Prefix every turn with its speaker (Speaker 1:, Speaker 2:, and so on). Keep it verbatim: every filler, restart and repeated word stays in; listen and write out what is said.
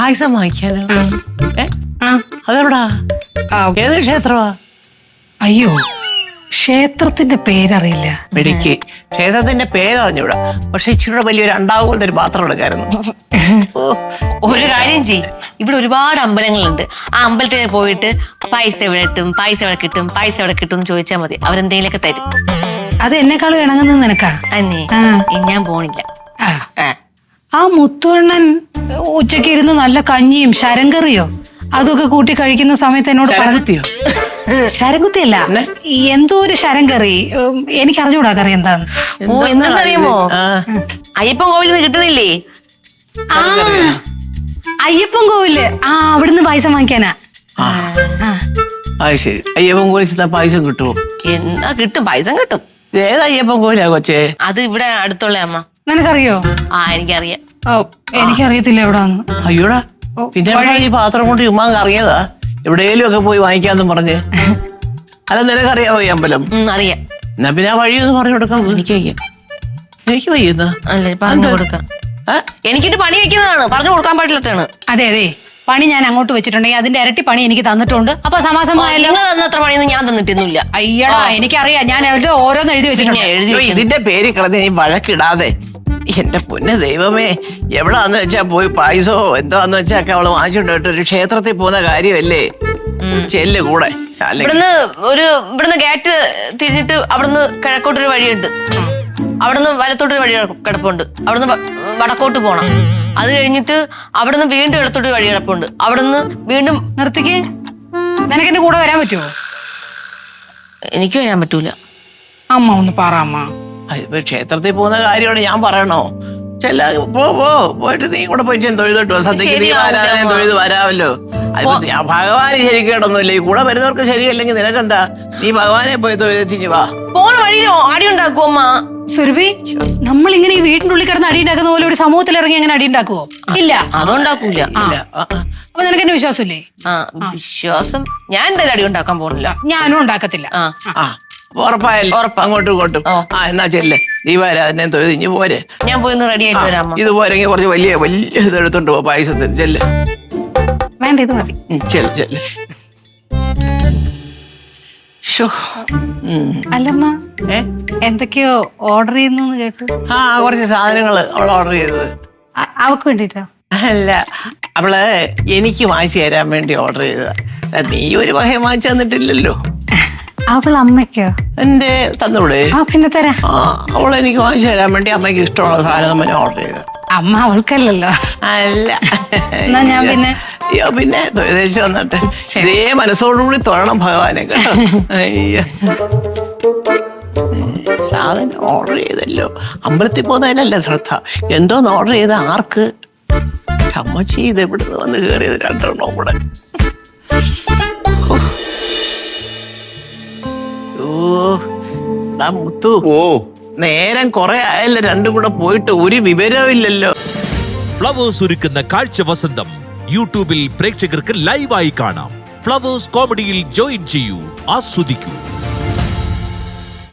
Speaker 1: പായസം വാങ്ങിക്കാനോ? ഏ അതെവിടാ? ഏത് ക്ഷേത്രമാ?
Speaker 2: അയ്യോ, ക്ഷേത്രത്തിന്റെ പേരറിയില്ല.
Speaker 1: മെഡിക്ക് ക്ഷേത്രത്തിന്റെ പേരറിഞ്ഞൂടാ, പക്ഷെ ഇച്ചിരി വലിയൊരു അണ്ടാവുപോലത്തെ ഒരു പാത്രം എടുക്കായിരുന്നു.
Speaker 3: ഒരു കാര്യം ചെയ്യും, ഇവിടെ ഒരുപാട് അമ്പലങ്ങളുണ്ട്. ആ അമ്പലത്തിൽ പോയിട്ട് പൈസ എവിടെ കിട്ടും, പൈസ എവിടെ കിട്ടും, പൈസ എവിടെ കിട്ടും എന്ന് ചോദിച്ചാൽ മതി, അവരെന്തെങ്കിലുമൊക്കെ തരും.
Speaker 2: അത് എന്നെക്കാളും ഇണങ്ങുന്നത് നിനക്കാ.
Speaker 3: അന്നേ ഞാൻ പോണില്ല.
Speaker 2: ആ മുത്തുവണ്ണൻ ഉച്ചക്ക് ഇരുന്ന് നല്ല കഞ്ഞിയും ശരങ്കറിയോ അതൊക്കെ കൂട്ടി കഴിക്കുന്ന സമയത്ത് എന്നോട്
Speaker 1: ശരംകുത്തിയോ?
Speaker 2: ശരംകുത്തിയല്ല, എന്തോ ഒരു ശരങ്കറി. എനിക്ക് അറിഞ്ഞൂടാ കറി എന്താന്ന്.
Speaker 3: ഓ, എന്താണെന്നറിയാമോ? അയ്യപ്പൻ കോവിലിൽ നിന്ന് കിട്ടുന്നില്ലേ?
Speaker 2: ആ അയ്യപ്പൻ കോവില്. ആ അവിടുന്ന് പായസം വാങ്ങിക്കാനാ.
Speaker 1: അത് ശരി. അയ്യപ്പൻ കോവിൽ പായസം കിട്ടുമോ?
Speaker 3: എന്നാ കിട്ടും, പായസം കിട്ടും.
Speaker 1: ഏത് അയ്യപ്പൻ കോവിലാ കൊച്ചേ?
Speaker 3: അത് ഇവിടെ അടുത്തുള്ള അമ്മ.
Speaker 2: നിനക്കറിയോ?
Speaker 3: ആ എനിക്കറിയാം.
Speaker 2: ഓ എനിക്കറിയത്തില്ല എവിടാന്ന്.
Speaker 1: അയ്യോടാ, പിന്നെ ഈ പാത്രം കൊണ്ട് ഉമ്മാ അറിയതാ എവിടെയെങ്കിലും ഒക്കെ പോയി വാങ്ങിക്കാന്നും പറഞ്ഞ്. അല്ല നിനക്കറിയാമോ ഈ അമ്പലം?
Speaker 3: അറിയാം.
Speaker 1: എന്നാ പിന്നെ ആ വഴിയൊന്ന് പറഞ്ഞു കൊടുക്കാം.
Speaker 3: എനിക്ക് വയ്യ.
Speaker 1: എനിക്ക് വയ്യുന്ന
Speaker 3: അല്ലേ പറഞ്ഞു കൊടുക്കാം. എനിക്കിട്ട് പണി വെക്കുന്നതാണ്, പറഞ്ഞു കൊടുക്കാൻ പാടില്ലാത്തതാണ്.
Speaker 2: അതെ അതെ, പണി ഞാൻ അങ്ങോട്ട് വെച്ചിട്ടുണ്ടെങ്കിൽ അതിന്റെ ഇരട്ടി പണി എനിക്ക് തന്നിട്ടുണ്ട്. അപ്പൊ സമാസമായല്ലോ.
Speaker 3: തന്നത്ര പണിയൊന്നും ഞാൻ തന്നിട്ടൊന്നുമില്ല.
Speaker 2: അയ്യടാ, എനിക്കറിയാം. ഞാൻ ഓരോന്ന് എഴുതി വെച്ചിട്ടുണ്ട്.
Speaker 3: എഴുതി
Speaker 1: ഇതിന്റെ പേര് കളഞ്ഞ നീ വഴക്കിടാതെ. എന്റെ പൊന്ന് ദൈവമേ, എവിടാന്ന് വെച്ചാ പോയി പായസോ എന്താന്ന് വെച്ചാ ഒക്കെ അവള് വാങ്ങിച്ചോണ്ട് ഒരു ക്ഷേത്രത്തിൽ പോകുന്ന കാര്യമല്ലേ? ചെല്ല് കൂടെ.
Speaker 3: ഇവിടുന്ന് ഒരു ഇവിടുന്ന് ഗേറ്റ് തിരിഞ്ഞിട്ട് അവിടുന്ന് കിഴക്കോട്ടൊരു വഴിയുണ്ട്, അവിടുന്ന് വലത്തോട്ടൊരു വഴി കിടപ്പുണ്ട്, അവിടുന്ന് വടക്കോട്ട് പോണം. അത് കഴിഞ്ഞിട്ട് അവിടുന്ന് വീണ്ടും ഇടത്തോട്ടൊരു വഴി കിടപ്പുണ്ട്, അവിടുന്ന് വീണ്ടും.
Speaker 2: നിർത്തിക്ക്. നിനക്ക് എന്റെ കൂടെ വരാൻ പറ്റുമോ?
Speaker 3: എനിക്ക് വരാൻ പറ്റൂല.
Speaker 2: അമ്മ ഒന്ന് പറ അമ്മ.
Speaker 1: ക്ഷേത്രത്തിൽ പോകുന്ന കാര്യമാണ് ഞാൻ പറയണോ? ചെല്ല പോ പോ പോയിട്ട് നീ കൂടെ പോയി തൊഴുതോ. സദ്യക്ക് നീ വരാതെ തൊഴുത് വരാമല്ലോ. ഭഗവാന് ശരിക്കേടൊന്നുമില്ല. ഈ കൂടെ വരുന്നവർക്ക് ശരിയല്ലെങ്കിൽ നിനക്കെന്താ? നീ ഭഗവാനെ പോയി തൊഴുതിഞ്ഞു വാ.
Speaker 3: പോണ വഴിയിലോ അടി ഉണ്ടാക്കുവോ അമ്മ?
Speaker 2: സുരഭി, നമ്മൾ ഇങ്ങനെ ഈ വീട്ടിന്റെ ഉള്ളിൽ കിടന്ന് അടി ഉണ്ടാക്കുന്ന പോലെ ഒരു സമൂഹത്തിൽ ഇറങ്ങി അങ്ങനെ അടി ഉണ്ടാക്കുവോ? ഇല്ല,
Speaker 3: അതുണ്ടാക്കൂല.
Speaker 2: അപ്പൊ നിനക്ക് എന്നെ വിശ്വാസമില്ലേ?
Speaker 3: ആ വിശ്വാസം. ഞാൻ എന്തായാലും അടി ഉണ്ടാക്കാൻ പോണില്ല.
Speaker 2: ഞാനും ഉണ്ടാക്കത്തില്ല.
Speaker 1: ഉറപ്പായല്ലോ. അങ്ങോട്ടും ഇങ്ങോട്ടും. ആ എന്നാ ചെല്ലേ, നീ വരാ എന്നെ തൊഴുതിഞ്ഞു പോരെ.
Speaker 3: ഞാൻ പോയി റെഡി ആയിട്ട് വരാം.
Speaker 1: ഇത് പോരെങ്കിൽ കുറച്ച് വലിയ വലിയ ഇത് എടുത്തോണ്ട് പോ പായസത്തിന്. ചെല്ല്.
Speaker 2: വേണ്ട, ഇത് മതി.
Speaker 1: ചെല്ല് ചെല്ല്.
Speaker 2: അല്ലമ്മ, എന്തൊക്കെയോ ഓർഡർ ചെയ്യുന്നു കേട്ടു.
Speaker 1: ആ കുറച്ച് സാധനങ്ങള് അവൾ ഓർഡർ ചെയ്തത്.
Speaker 2: അവക്ക് വേണ്ടിട്ടോ?
Speaker 1: അല്ല, അവള് എനിക്ക് വാങ്ങിച്ചു തരാൻ വേണ്ടി ഓർഡർ ചെയ്തതാ. നീ ഒരു വക വാങ്ങിച്ചു തന്നിട്ടില്ലല്ലോ.
Speaker 2: അവൾ അമ്മയ്ക്കോ?
Speaker 1: എന്റെ തന്നൂടെ?
Speaker 2: ആ പിന്നെ തരാം.
Speaker 1: ആ അവൾ എനിക്ക് വാങ്ങിച്ചു തരാൻ വേണ്ടി അമ്മയ്ക്ക് ഇഷ്ടമുള്ള സാധനം നമ്മൾ ഓർഡർ ചെയ്തത്.
Speaker 2: അമ്മ അവൾക്കല്ലല്ലോ.
Speaker 1: അല്ല,
Speaker 2: എന്നാ ഞാൻ പിന്നെ
Speaker 1: അയ്യോ പിന്നെ തൊഴുതേച്ച് വന്നിട്ട് ഇതേ മനസ്സോടുകൂടി തൊഴണം ഭഗവാനെ കേട്ടോ. അയ്യോ, സാധനം ഓർഡർ ചെയ്തല്ലോ. അമ്പലത്തിൽ പോകുന്നതിനല്ല ശ്രദ്ധ, എന്തോന്ന് ഓർഡർ ചെയ്ത ആർക്ക്? അമ്മച്ചി ഇത് എവിടുന്ന് വന്ന് കയറിയത് രണ്ടെണ്ണോ കൂടെ. ഓ മുത്തു, ഓ നേരം കുറെ ആയല്ലോ രണ്ടും കൂടെ പോയിട്ട് ഒരു വിവരമില്ലല്ലോ.
Speaker 4: ഫ്ലവേഴ്സ് ഒരുക്കുന്ന കാഴ്ച വസന്തം യൂട്യൂബിൽ പ്രേക്ഷകർക്ക് ലൈവായി കാണാം. ഫ്ലവേഴ്സ് കോമഡിയിൽ ജോയിൻ ചെയ്യൂ, ആസ്വദിക്കൂ.